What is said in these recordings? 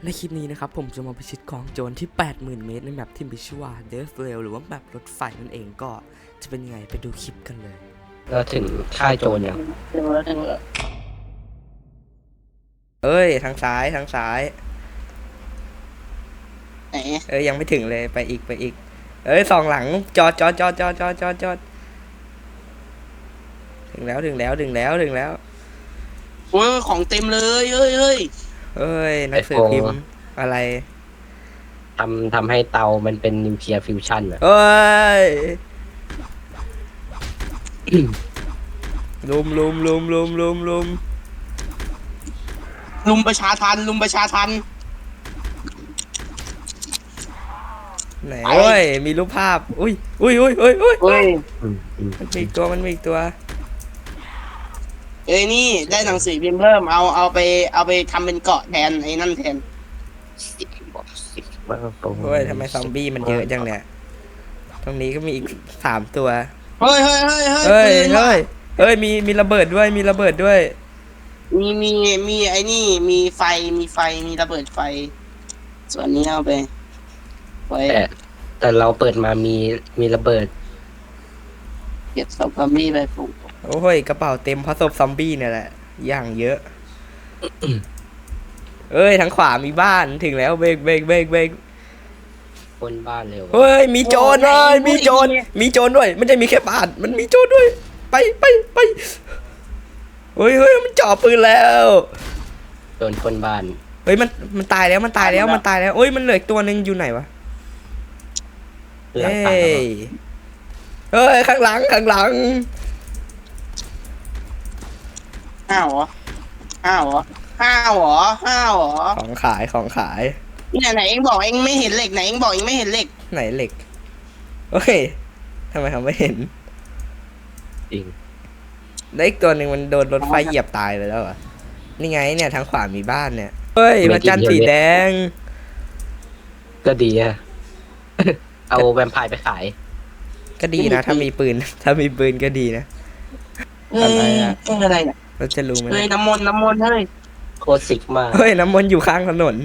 ในคลิปนี้นะครับผมจะมาพิชิตกองโจรที่ 80,000 เมตรในแมปที่มีชื่อว่า Death Rail หรือว่าแมปรถไฟนั่นเองก็จะเป็นยังไงไปดูคลิปกันเลยเราถึงค่ายโจรยังถึงแล้วเอ้ยทางซ้ายทางซ้ายไหนเอ้ยยังไม่ถึงเลยไปอีกเอ้ยสองหลังจอดถึงแล้วโอ้ยของเต็มเลยเฮ้ยเอ้ยหนังสือพิมพ์อะไรทำให้เตามันเป็นนิวเคลียร์ฟิวชั่นอะเอ้ยลุมลุมประชาทันไหนเอ้ยมีรูปภาพอุ้ยเฮ้ยมันมีอีกตัวเอ้ยนี่ได้หนังสือพิมพ์เพิ่มเอาไปทำเป็นเกาะแทนไอ้นั่นแทนเฮ้ยทำไมซอมบี้มันเยอะจังเนี่ยตรงนี้ก็มีอีก3 ตัวเฮ้ยเฮ้ยมีระเบิดด้วยมีไอ้นี่มีไฟมีระเบิดไฟ ส่วนนี้เอาไปไว้แต่เราเปิดมามีระเบิดเก็บศพซอมบี้ไปปลูกโอ้ยกระเป๋าเต็มเพราะศพซอมบี้เนี่ยแหละอย่างเยอะ เอ้ยทางขวามีบ้านถึงแล้วเบรกคนบ้านเร็วเฮ้ยมีโจรเลยมีโจรด้วยไม่ใช่มีแค่บ้านมันมีโจรด้วยไปเฮ้ยมันจ่อปืนแล้วโจรคนบ้านเฮ้ยมันตายแล้วเอ้ยมันเหลืออีกตัวนึงอยู่ไหนวะหลังเฮ้ตายเฮ้ยข้างหลังห้าวเหรอของขายเนี่ยไหนเองบอกเองไม่เห็นเหล็กไหนเองบอกเองไม่เห็นเหล็กไหนเหล็กโอ้ยทำไมเขาไม่เห็นจริงแล้วอีกตัวหนึ่งมันโดนรถไฟเหยียบตายไปแล้วอ่ะนี่ไงเนี่ยทางขวามีบ้านเนี่ยเฮ้ยพระจันทร์สีแดงก็ดีอะ เอาแวมไพร์ไปขายก็ดีนะถ้ามีปืนก็ดีนะ อะไรอะอะไรเนี่ยเราจะรู้ไหมเฮ้ยน้ำมนต์เฮ้ยโคตรสิกมากเฮ้ยน้ำมันอยู่ข้างถนน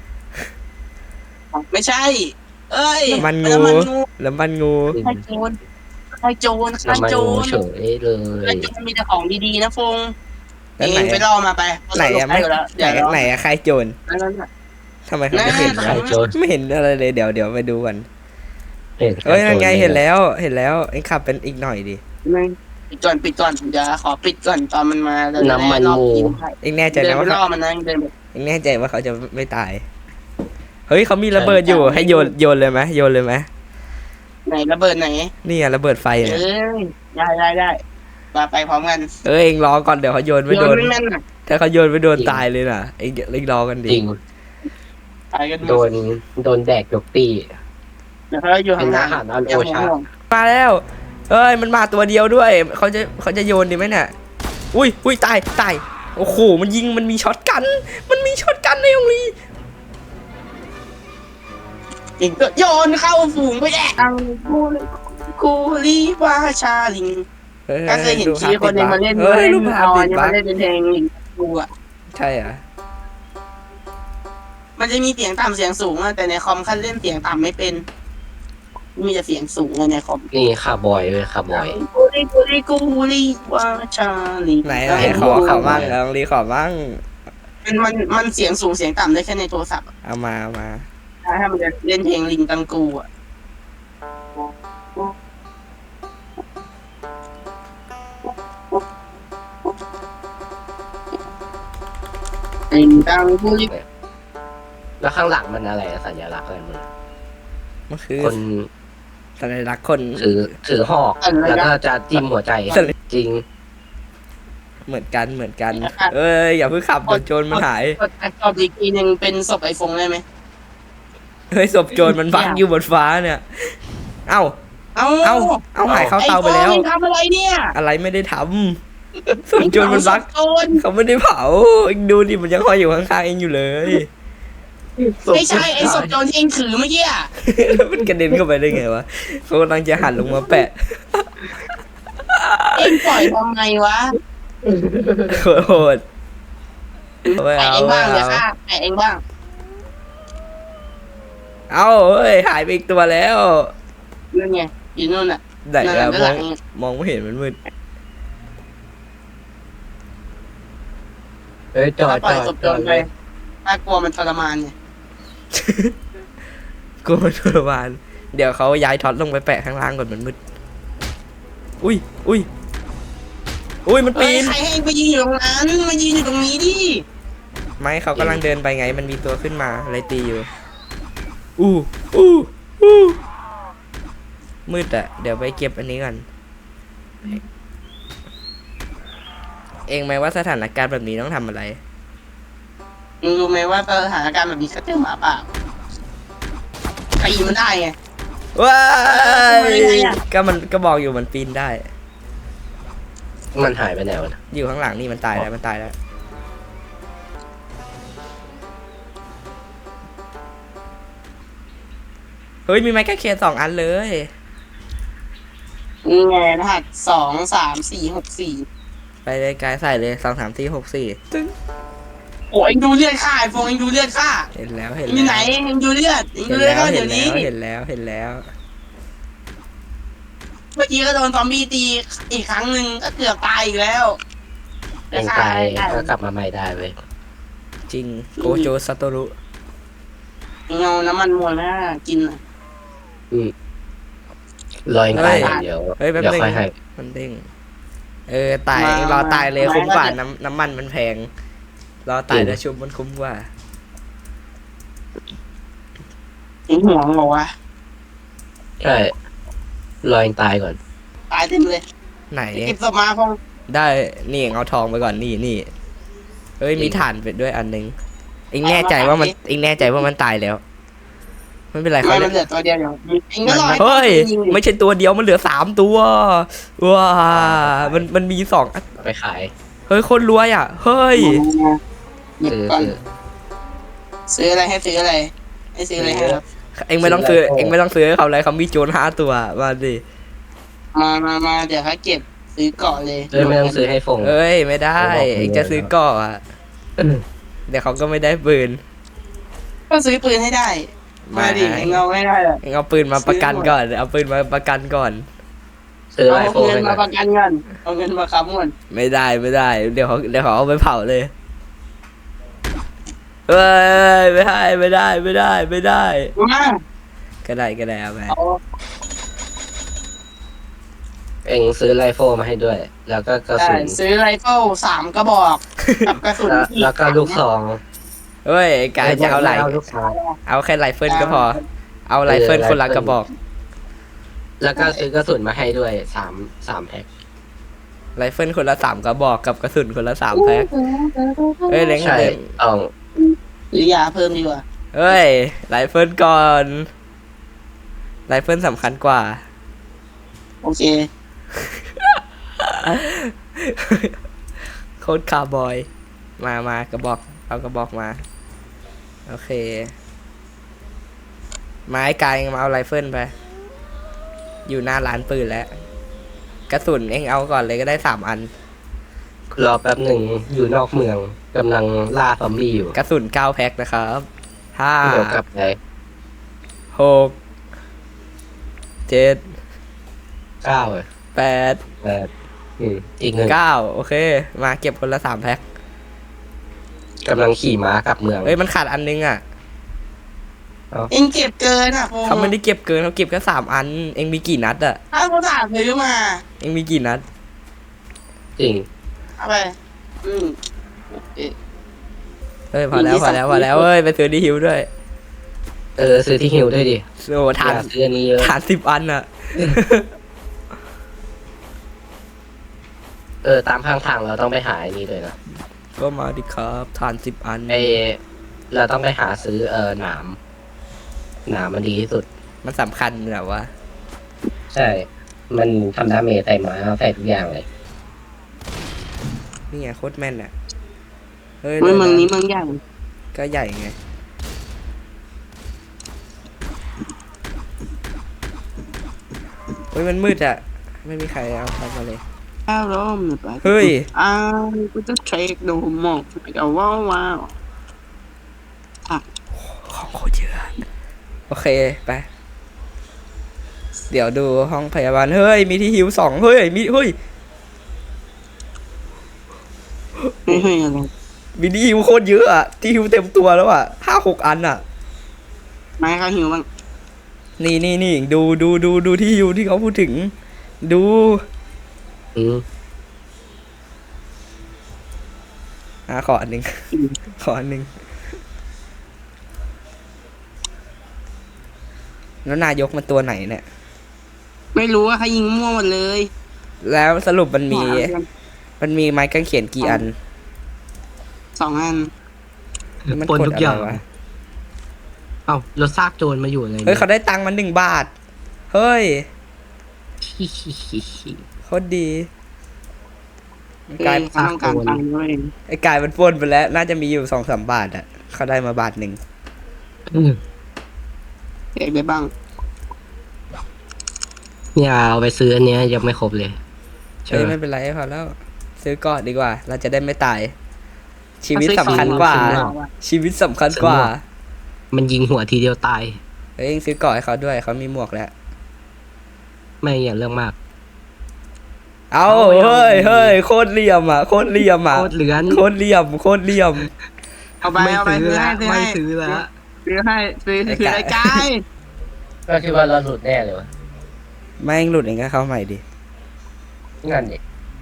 ไม่ใช่ เอ้ยมันงู แล้วมันงูใครโจรน้ำมันงูเฉยเลใครยโจรมีแต่ของดีๆนะฟงแล้วเอไหนงไปล่อมาไปไหนอะไม่ ไหนอะใครโจรนั่นน่ะทำไมเขาไม่เห็นน่าใครโจรไม่เห็นอะไรเลยเดี๋ยวไปดูกันเห็นเอ้ยนั่นไงเห็นแล้วเอ็งขับเป็นอีกหน่อยดิปิดก่อนเดี๋ยวขอปิดก่อนตอนมันมาเราจะน้ำมันได้รอบงูกินเอ็งแน่ใจเดินนะไปว่าล่อมันนะเดินไปเอ็งแน่ใจว่าเขาจะไม่ตายเฮ้ยเขามีระเบิดอยู่ให้โยนเลยไหมไหนระเบิดไหนนี่อะระเบิดไฟเอ้เนี่ยยได้มาไปพร้อมกันเอ้ยเอ็งรอก่อนเดี๋ยวเขาโยนไม่โดนไม่แม่นน่ะถ้าเขาโยนไม่โดนตายเลยน่ะเอ็งรอกันดิจริงตายกันโดนแดกยกตีเดี๋ยวเขาอยู่ห่างเป็นอาหารอันโอชามาแล้วเอ้ยมันมาตัวเดียวด้วยเขาจะโยนดีไหมเนี่ยอุ้ยตายโอ้โหมันยิงมันมีช็อตกันในโรงเรียนอีกก็โยนเข้าฝูงไปแดกคูลีวาชาลิงก็เคยเห็นชีคนหนึงมาเล่นเฮ้ยรูปภาพเอาติอัดนนี้บั๊มาก เล่นเป็นเพลงลิงกูอ่ะใช่อ่ะมันจะมีเสียงต่ำเสียงสูงอะแต่ในคอมขั้นเล่นเสียงต่ำไม่เป็น มีแต่เสียงสูงเลยในคอมนี่คาร์บอยเลยคาร์บอยกูลีวาชาลิงไหนขอมั่งลองรีขอมั่งมันเสียงสูงเสียงต่ำได้แค่ในโทรศัพท์อะเอามาถ้ามันจะเล่นเพลงลิงกังกูอ่ะลิงกังกูลิแล้วข้างหลังมันอะไรอะสัญลักษณ์อะไรมันมันคือคนสัญลักษณ์คนถือหอกแล้วก็จะจิ้มหัวใจจริงเหมือนกันเอ้ยอย่าเพิ่งขับเดี๋ยวโจรมันหายตอบอีกทีหนึ่งเป็นศพไอฟงได้ไหมเฮ้ยศพโจรมันบังอยู่บนฟ้าเนี่ยเอ้า เอาหายเข้าเตาไปแล้วไอ้ฟองมึงทำอะไรเนี่ยอะไรไม่ได้ทำศพโจรมันบักโจรเขาไม่ได้เผาเองดูดิมันยังคอยอยู่ข้างๆเองอยู่เลยไม่ใช่ไอศพโจรที่เองถือเมื่อกี้อะมันกระเด็นเข้าไปได้ไงวะเขากำลังจะหันลงมาแปะเองปล่อยทำไมวะโหดไม่ไอเอาเองไม่บ้างเดี๋ยวเอาฆ่าไอเองบ้างเอ้าเฮ้ยหายไปอีกตัวแล้วนั่นไงอยู่นู่นอ่ะไหนนั่นอะน่ะด้านมหอลังงมองไม่เห็นมันมืดเอ้ยจอถ้าดปล่อยศพจอดโจรไปน่ากลัวมันทรมานไงกูมันทรมานเดี๋ยวเขาย้ายท็อตลงไปแปะข้างล่างก่อนมันมืดอุ้ยอุ้ยอุ้ยมันเฮ้ปียนใครให้ไปยืนอยู่ตรงนั้นมายืนอยู่ตรงนี้ดิไม่เขากำลังเดินไปไงมันมีตัวขึ้นมาอะไรตีอยู่อู้อู้อู้มืดอะเดี๋ยวไปเก็บอันนี้ก่อนเองไหมว่าสถานการณ์แบบนี้ต้องทำอะไรมึงรู้ไหมว่าสถานการณ์แบบนี้เขาเจอหมาป่าตีมันได้ไงว้าทำไมอะก็มันก็บอกอยู่มันปีนได้มันหายไปไหนวะอยู่ข้างหลังนี่มันตายแล้วมันตายแล้วเฮ้ยมีไม้กางเขน2 อันเลยนี่ไงรหัส2 3 4 6 4 ไปเลยกายใส่เลย2 3 4 6 4ตึ้งโอ้ยดูเลือดข้าไอ้ฟงเองดูเลือดข้าเห็นแล้วเห็นอยู่ไหนแล้วเองดูเลือดเองเห็ดูนเลือดแล้วข้าเห็เดี๋ยนวแล้นี้วเห็นแล้วเห็นแล้วเมื่อกี้ก็โดนซอมบี้ตีอีกครั้งหนึ่งก็เกือบตายอีกแล้วเองตายก็กลับมาใหม่ได้เว้ยจริงโกโจซาโตรุเงาน้ำมันมวยนะกินน่ะรอเองตายอย่างเดียวเฮ้ยแป๊บเดี๋ยวนึงค่อยให้มันเด้งตายรอตายเลยคุ้มกว่าน้ำมันมันแพงรอตายแล้วชุบมันคุ้มกว่าเองห่วงบอกว่าใช่รอเองตายก่อนตายเต็มเลยไหนเก็บศพมาพงได้นี่เอาทองไปก่อนนี่เฮ้ยมีถ่านไปด้วยอันนึงเอ็งแน่ใจว่ามันเอ็งแน่ใจว่ามันตายแล้วไม่เป็นไรไม่เขามันเหลือตัวเดียวอยู่เองก็รอให้เฮ้ยยิงไม่ใช่ตัวเดียวมันเหลือ3 ตัวว้ามันมี2อันไปขายเฮ้ยคนรวยอ่ะเฮ้ยหยิบซื้อก่อนซื้อซื้ออะไรให้ซื้ออะไรให้ซื้ออะไรให้ครับเอ็งไม่ต้องซื้อเอ็งไม่ต้องซื้อให้เขาเลยเขามีโจร5 ตัวมาดิมาเดี๋ยวเขาเก็บซื้อเกาะเลยไม่ต้องซื้อให้ฟงเอ้ยไม่ได้เอ็งจะซื้อก่ออ่ะเดี๋ยวเขาก็ไม่ได้ปืนก็ซื้อปืนให้ได้ มาดิเองเอาไม่ได้หรอกเอ็งเอาปืนมาประกันก่อนเอาปืนมาประกันก่อนซื้อเอาไอโฟนเงินให้มาก่ปอนระกันเงินเอาเงินมาค้ำเงินไม่ได้เดี๋ยวเขาเอาไปเผาเลยเอ้ยไม่ได้มาก็ได้เอาไปเอาเองซื้อไรโฟมาให้ด้วย แล้วก็กระได้สุนซื้อไรเฟิล3 กระบอกกับกระสุนแล้วก็ลูกซองเฮ้ยกายจะเอาไหลลูกซองเอาแค่ไรเฟิลก็พอ เอาไรเฟิลคนละกระบอกแล้วก็ซื้อกระสุนมาให้ด้วยสามแพ็คไรเฟิลคนละ3 กระบอกกับกระสุนคนละ3 แพ็คเฮ้ยเล้งใช่เล้งเอาหรือยาเพิ่มดีกว่าเฮ้ยไรเฟิลก่อนไรเฟิลสำคัญกว่าโอเคโคตรคาร์บอย มากระบอกเอากระบอกมาโอเคไม้กายมาเอาไรเฟิลไปอยู่หน้าร้านปืนแล้วกระสุนเองเอาก่อนเลยก็ได้3 อันรอแป๊บหนึ่งอยู่นอกเมืองกำลังล่าซอมบี้อยู่กระสุน9 แพ็คนะครับเดี๋ยวกลับไป 5 6 7 9เลย 8 อีกหนึ่ง 9โอเค มาเก็บคนละ3 แพ็คกำลังขี่ม้ากลับเมืองเฮ้ยมันขาดอันนึงอ่ะเองเก็บเกินอ่ะพงเขาไม่ได้เก็บเกินเขาเก็บแค่3 อัน เองมีกี่นัดอ่ะถ้าเขาถามซื้อมาเองมีกี่นัดจริงเอาไปเอ๊ะเฮ้ยพอแล้วเฮ้ยไปซื้อดีฮิวด้วยซื้อที่ฮิวด้วยดิโอ้ทานอย่ซื้ออันนี้เยอะทาน10 อันอ่ะตามข้างทางเราต้องไปหาอันนี้ด้วยนะก็มาดิครับทาน10 อันเราต้องไปหาซื้อหนามมันดีที่สุดมันสำคัญแบบว่าใช่ มันทำดาเมจใส่ม้าใส่ทุกอย่างเลยนี่ไงโคตรแม่นอ่ะเฮ้ยเมืองนี้เมืองใหญ่ก็ใหญ่ไงเฮ้ยมันมืดอ่ะไม่มีใครเอาทำมาเลยข้าวร้อมไปเฮ้ยกูจะเช็คดูหมอกเอาว้าวของโคตรเยอะโอเคไปเดี๋ยวดูห้องพยาบาลเฮ้ยมีที่ฮิว2เฮ้ยมีเฮ้ยไม่เฮ้ยอะไรมีที่ฮิวโคตรเยอะอะที่ฮิวเต็มตัวแล้วอะ5-6 อันอะไม่เขาหิวบ้างนี่ดูที่ฮิวที่เขาพูดถึงดูอืมขออันหนึ่ง ขออันหนึ่งแล้วนายกมันตัวไหนเนี่ยไม่รู้ว่าเขายิงมั่วหมดเลยแล้วสรุปมันมีไม้กางเขนกี่อัน 2 อันมันปนทุกอย่างดะไรวะเอ้าเราซากโจรมาอยู่เลยเฮ้ยเขาได้ตังค์มัน1 บาทเฮ้ยโคตรดีกลายเขาต้องการตังค์ด้วยไอ้กายมันปล้นไปแล้ว น่าจะมีอยู่2-3 บาทอะเขาได้มา1 บาทอืมเอกได้บ้างอย่าเอาไปซื้ออันเนี้ยยังไม่ครบเลยเฮ้ยไม่เป็นไรพอแล้ว ซื้อก่อนดีกว่า เราจะได้ไม่ตาย ชีวิตสำคัญกว่า ชีวิตสำคัญกว่ามันยิงหัวทีเดียวตายเฮ้ยซื้อก่อนให้เขาด้วยเขามีหมวกแล้วไม่อย่าเรื่องมากเอาเฮ้ยโคตรเหลี่ยมอ่ะโคตรเหลี่ยมอ่ะโคตรเหลือนโคตรเหลี่ยมโคตรเหลี่ยมเอาไปไม่เอาไปซื้อซื้อละให้ซื้อไม่ให้ซื้อละซื้อให้ซื้อไอ้คือไก่ไอ้กายก็คิดว่าเราหลุดแน่เลยวะแม่งหลุดเองก็เข้าใหม่ดิงั้นดิ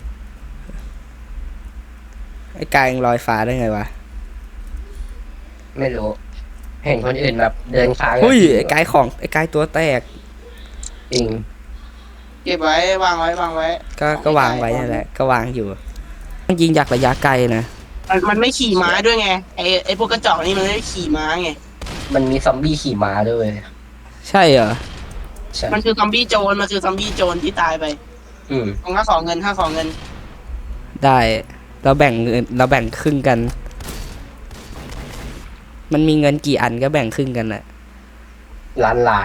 ไอ้กายยังลอยฟ้าได้ไงวะไม่รู้ เห็นคนอื่นแบบเดินค้างหุ้ยไอ้กายตัวแตกจริงเก็บไว้วางไว้วางไว้ก็วางไว้นั่นแหละก็วางอยู่ต้องยิงจากระยะไกลนะมันไม่ขี่ม้าด้วยไงไอ้พวกกระจอกนี่มันไม่ขี่ม้าไงมันมีซอมบี้ขี่ม้าด้วยเวยใช่เหรอใช่มันคือซอมบี้โจรมันคือซอมบี้โจรที่ตายไปอืมถ้าขอเงินถ้าขอเงินได้เราแบ่งครึ่งกัน มันมีเงินกี่อันก็แบ่งครึ่งกันแหละล้าน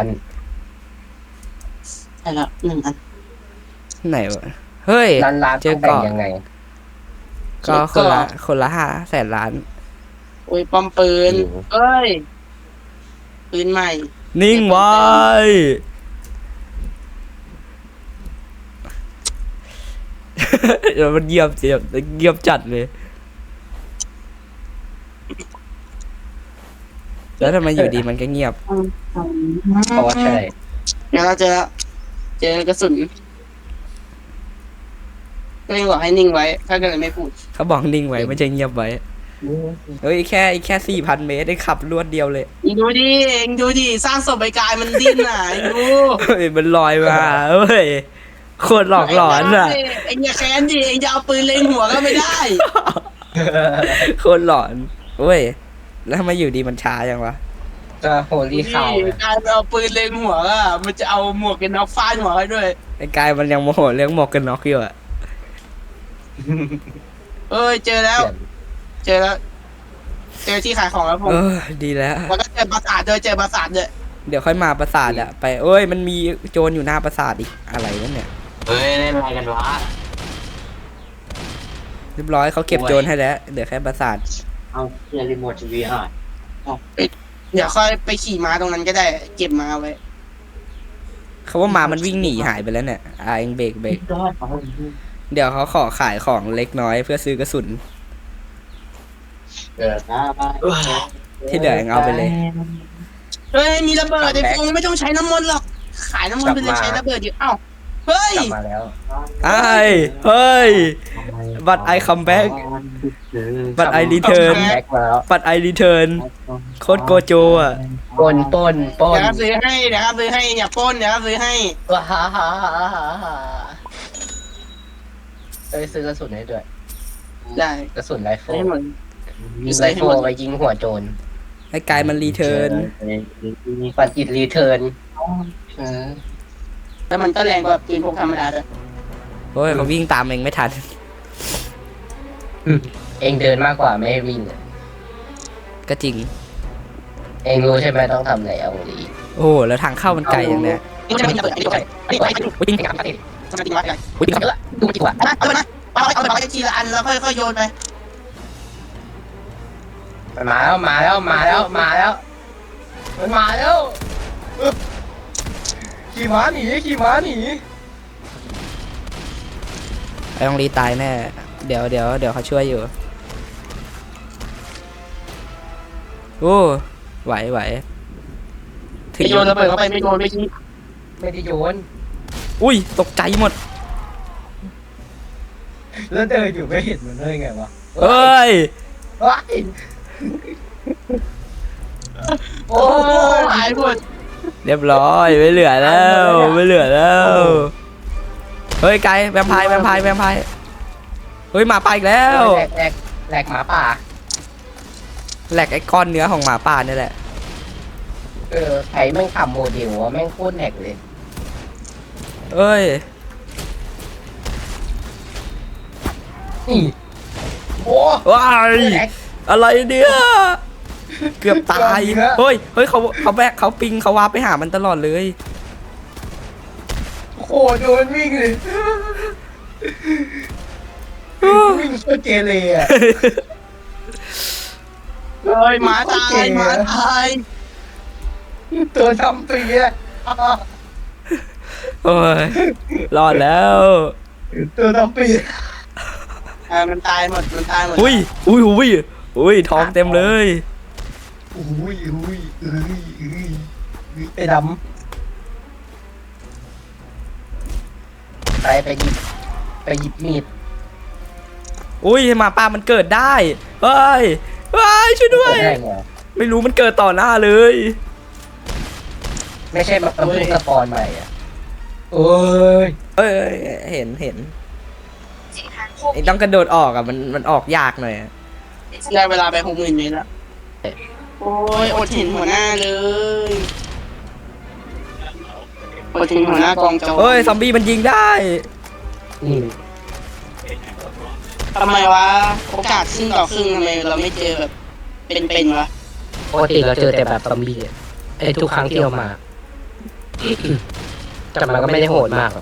ใช่ละ1 อันไหนวะเฮ้ยล้านเจอต้องแบ่งเกาะยังไงก็คนละ500,000 ล้านโอ้ยปอมปืนอืมเอ้ยปืนใหม่นิ่งไว้ เดี๋ยวมันเงียบจัดเลย แล้วทำไมอยู่ดีมันก็เงียบเพราะว่าใช่เดี๋ยวเราเจอกระสุนก็เลยบอกให้นิ่งไว้ถ้าก็เลยไม่พูดเขาบอกนิ่งไว้ไม่ใช่เงียบไว้ เฮ้ยแค่4,000 เมตรได้ขับรวดเดียวเลยเองดูดิสร้างศพไอ้กายมันดิ้นอ่ะเองดูเฮ้ยมันลอยมาเฮ้ยโคตรหลอกหลอนอ่ะเองอย่าแค้นดิเองจะเอาปืนเล็งหัวก็ไม่ได้โคตรหลอนเว้ยแล้วทำไมอยู่ดีมันช้าจังวะก็โฮลี่ข่าวกายเอาปืนเล็งหัวอ่ะมันจะเอาหมวกกันน็อกฟาดหัวให้ด้วยไอ้กายมันยังโมโหเรื่องหมวกกันน็อกอยู่อ่ะเอ้ยเจอแล้วเจอที่ขายของแล้วผมดีแล้วแล้วก็เจอปราสาทด้วยเจอปราสาทด้วยเดี๋ยวค่อยมาปราสาทอะไปเอ้ยมันมีโจรอยู่หน้าปราสาทอีกอะไรวะเนี่ยเฮ้ยเล่นอะไรกันวะเรียบร้อยเขาเก็บโจรให้แล้วเดี๋ยวแค่ปราสาทเอาเรียรีโมททีวีอ่ะเดี๋ยวค่อยไปขี่ม้าตรงนั้นก็ได้ เก็บม้าไว้เขาว่ามามันวิ่งหนีหายไปแล้วเนี่ยเองเบรกเดี๋ยวเขาขอขายของเล็กน้อยเพื่อซื้อกระสุนเกิดหน้าบ้านที่เหลือเองเอาไปเลยเฮ้ยมีระเบิดไอ้ฟงไม่ต้องใช้น้ำมันหรอกขายน้ำมันไปเลยใช้ระเบิดอยู่เอ้าเฮ้ยกลับมาแล้วเฮ้ยบัตรไอคัมแบ็กบัตรไอรีเทิร์นแบ็กมาแล้วบัตรไอรีเทิร์นโคตรโกโจอ่ะปนเดี๋ยวครับซื้อให้เดี๋ยวครับซื้อให้อย่าปล้นเดี๋ยวครับซื้อให้ว้าฮ่าฮ่าฮ่าฮ่าฮ่าเอ้ยซื้อกระสุนให้ด้วยได้กระสุนไรเฟิลให้หมดไรเฟิลไปยิงหัวโจรไอ้กายมันรีเทิร์นปัดอิดรีเทิร์นแล้วมันก็แรงกว่าปืนพกธรรมดาด้วยโอ้ยเขาวิ่งตามเองไม่ทันเองเดินมากกว่าไม่ให้วิ่งอะก็จริงเองรู้ใช่ไหมต้องทำอะไรเอาดีโอ้โหแล้วทางเข้ามันไกลอย่างเนี้ยนี่จะเป็นระเบิดอันนี้ด้วยอันนี้ไว้อุ้ยจริงไอ้กาปาติสมาร์ทจริงวะไอ้อุ้ยจริงเยอะดูมันดีกว่าเอาไปนะเอาไปทีละอันแล้วค่อยโยนไปมันมาแล้วมันมาแล้วขี่ม้าหนีขี่ม้าหนีไอ้องลีตายแน่เดี๋ยวเขาช่วยอยู่โอ้ไหวถึงโยนระเบิดเข้าไปไม่โดนไม่คิดไม่ได้โยนอุ้ยตกใจหมดแล้วเดินอยู่ไม่เห็นมันเลยไงวะเอ้ยว้ายโอ้โอ้ยหายหมดเรียบร้อยไม่เหลือแล้วไม่เหลือแล้วเฮ้ยไกลแวมไพร์เฮ้ยหมาป่าอีกแล้วแหลกหมาป่าแหลกไอ้ก้อนเนื้อของหมาป่านี่แหละใครแม่งขับโมเดลวะแม่งโคตรแหลกเลยเอ้ยนี่โอ้ว้ายแหลกอะไรเนี่ยเกือบตายเกือบอีกแล้วเฮ้ยเขาแบกเขาปิงเขาวาร์ปไปหามันตลอดเลยโคตรโดนวิ่งเลยวิ่งโคตรเกเรอะเฮ้ยหมาตายหมาตายตัวทำปีอะโอ้ยรอดแล้วตัวทำปีมันตายหมดอุ้ยท้องเต็มเลยอุ้ยไอ้ดำไปหยิบมีดอุ้ยหมาป่ามันเกิดได้เฮ้ยช่วยด้วยได้ไงไม่รู้มันเกิดต่อหน้าเลยไม่ใช่มันเพิ่งสปอนใหม่อ่ะโอ้ยเอ้ยเห็นไอ้ต้องกระโดดออกอ่ะมันออกยากหน่อยอะได้เวลาไป60,000เมตรแล้วโอ้ยอดเห็นหัวหน้าเลยอดเห็นหัวหน้ากองโจรเฮ้ยซอมบี้มันยิงได้นี่ทำไมวะโอกาสครึ่งต่อครึ่งทำไมเราไม่เจอแบบเป็นวะปกติเราเจอแต่แบบซอมบี้อะไอ้ทุกครั้งที่เรามา แต่มันก็ไม่ได้โหดมากหรอก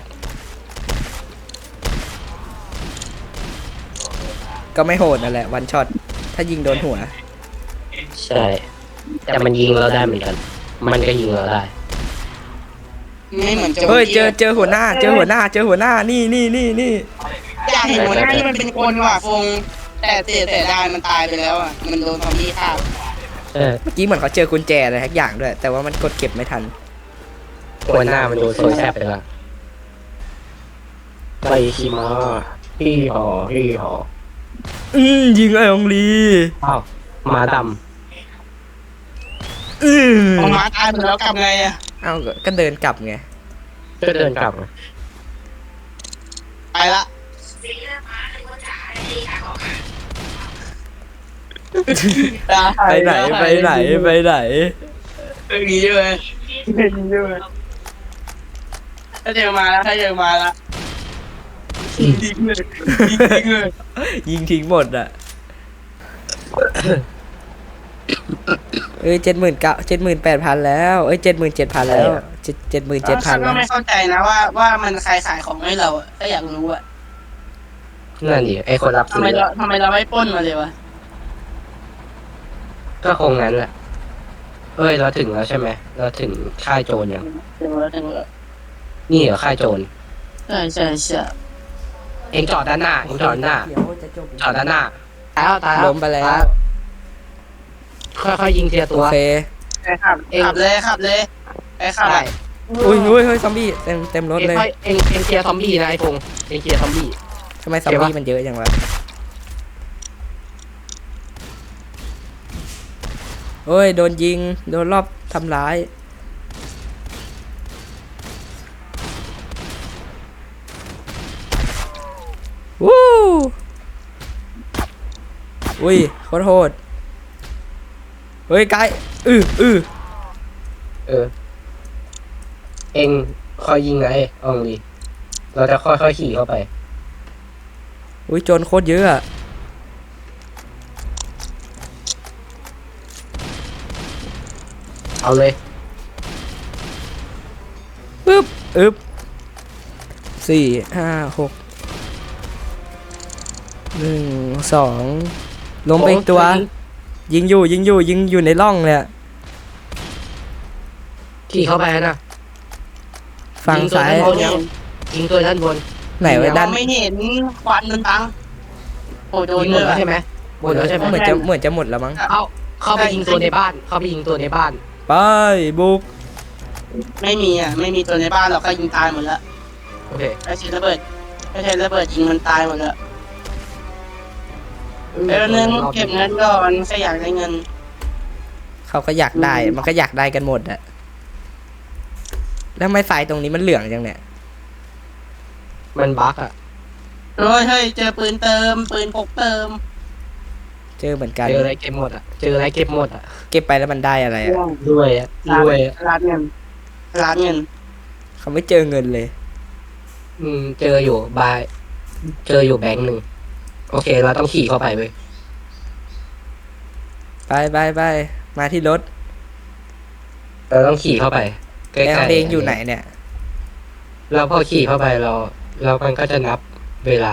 ก็ไม่โหดนั่นแหละวันช็อตถ้ายิงโดนหัวใช่ แต่มันยิงเราได้เหมือนกัน มันก็ยิงเราได้ไม่เหมือนโจรเฮ้ยเจอหัวหน้านี่อยากเห็นหัวหน้าที่มันเป็นคนว่ะฟงแต่เสียดายมันตายไปแล้วอ่ะมันโดนซอมบี้ฆ่าเออเมื่อกี้เหมือนเขาเจอกุญแจอะไรทักอย่างด้วย แต่ว่ามันกดเก็บไม่ทันตัวหน้ามันโดนโซยแซบไปแล้วไปขี่ม้าฮี่หอยิงไอ้องลีอ้าวม้าดพอหมาตายไปแล้วกลับไงอ่ะเอ้าก็เดินกลับไงำก็เดินกลับมาไปละไปไหนอย่างนี้ด้วยถ้าเจอมาแล้วยิงเลยยิงทิ้งหมดอ่ะ78,000แล้ว77,000แล้ว77,000 ฉันก็แล้วไม่เข้าใจนะว่ามันใครขายของให้เราอ่ะก็อยากรู้อ่ะนั่นดิไอคนรับทำซื้ไมอเราไม่ปล้นมาเลยวะก็คงนั้นแหละเอ้ยเราถึงแล้วใช่ไหมเราถึงค่ายโจรยังถึงแล้วนี่เหรอค่ายโจรใช่เองจอดด้านหน้าจอดด้านหน้า ตายแล้วล้มไปแล้วค่อยๆยิงเทียโอตัวเคขับเลยไปขับได้อุ้ยเฮ้ยซอมบี้เต็มรถเองเลยค่อยเองเคลียร์ซอมบี้นะไอ้พงษ์เองเคลียร์ซอมบี้ทำไมซอมบี้มันเยอะจังวะเฮ้ยโดนยิงโดนรอบทำร้ายวู้อุ้ยโคตรโหดเฮ้ยไกลเเองคอยยิงนะอองลีเราจะค่อยๆขี่เข้าไปอุ้ยโจรโคตรเยอะอะเอาเลยอึ๊บ4 5 6 1 2ล้มไปอีกตัว ยิงอยู่ในร่องเลยอะขี่เข้าไปนะฝั่งซ้ายยิงตัวด้านบนไหนไว้ด้านไม่เห็นควันมันบังโอ้โดนยิงหเลมดยแล้วใช่ไหมหมดแล้วใช่ไหมเหมือนจะหมดแล้วมั้งเข้าไปยิงตัวในบ้าน เข้าไปยิงตัวในบ้านไปบุกไม่มีอ่ะไม่มีตัวในบ้านเราก็ยิงตายหมดแล้วโอเคไอ้เชนระเบิดยิงมันตายหมดแล้วเดี๋ยวนึงเก็บเงินก่อนแค่อยากได้เงินเขาก็อยากได้มันก็อยากได้กันหมดอะแล้วทำไมสายตรงนี้มันเหลืองจังเนี่ยมันบั๊กอ่ะโอ้ยเฮ้ยเจอปืนเติมปืนพกเติมเจอเหมือนกันเจออะไรเก็บหมดอ่ะ เจออะไรเก็บหมดอ่ะเก็บไปแล้วมันได้อะไรอะรวยอ่ะรวยอ่ะร้านเงินร้านเงินเขาไม่เจอเงินเลยเจออยู่บาย เจออยู่แบงค์หนึ่ง โอเค เราต้องขี่เข้าไปเว้ยไปมาที่รถเราต้องขี่เข้าไปใกแอล้ลๆเองอยู่ไหนเนี่ยแล้วพอขี่เข้าไปเรามันก็จะนับเวลา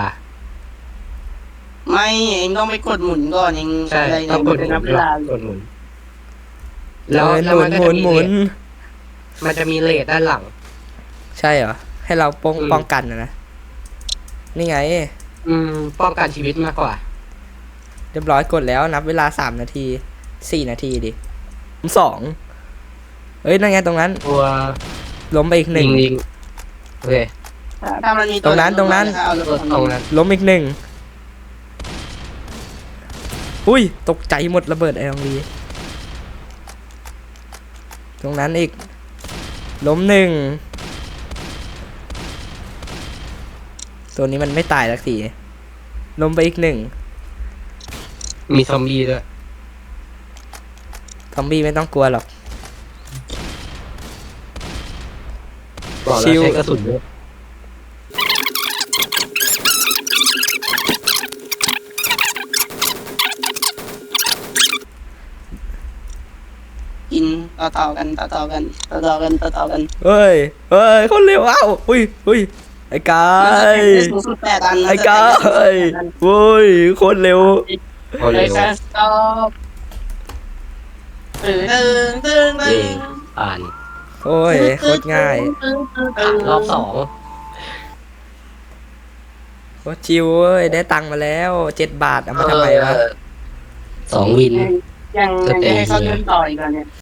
ไม่เองต้องไปกดหมุนก่อนเองใช่อะไรต้องกดหเป็นมุนันบเวลากดหมุนหมุนก็หมุจะนหมุนมันจะมีเลทด้านหลังใช่เหรอ ให้เราป้องอืมป้องกันนะ นี่ไงป้องกันชีวิตมากกว่าเรียบร้อยกดแล้วนับเวลา3 นาที 4 นาทีดิ2เอ้ยนั่นไงตรงนั้นตัวล้มไปอีกหนึ่งยิงโอเคถ้ามันมีตรงนั้นเอารถตรงนั้นล้มอีกหนึ่งอุ้ยตกใจหมดระเบิดไอ้ตรงนี้ตรงนั้นอีกล้มหนึ่งตัวนี้มันไม่ตายสักทีล้มไปอีกหนึ่งมีซอมบี้ด้วยซอมบี้ไม่ต้องกลัวหรอกบอกชิแล้ววใช้กระสุนด้วยกินต่อกันเฮ้ยคนเร็วเอ้าอุ้ยไอ้กามันจะยเป็นสูงสุด8 อันไอ้กายโว้ยโคนเร็วเอาเลเร็ยว แค่สต็อปตึงเย่ผ่านโอ้ยโคตรง่ายรอบสองโคตรชิวเว้ยได้ตังค์มาแล้ว7 บาทเอามาทำไมวะ 2 วินยังจะให้เขาเดินต่ออีกแล้วเนี่ย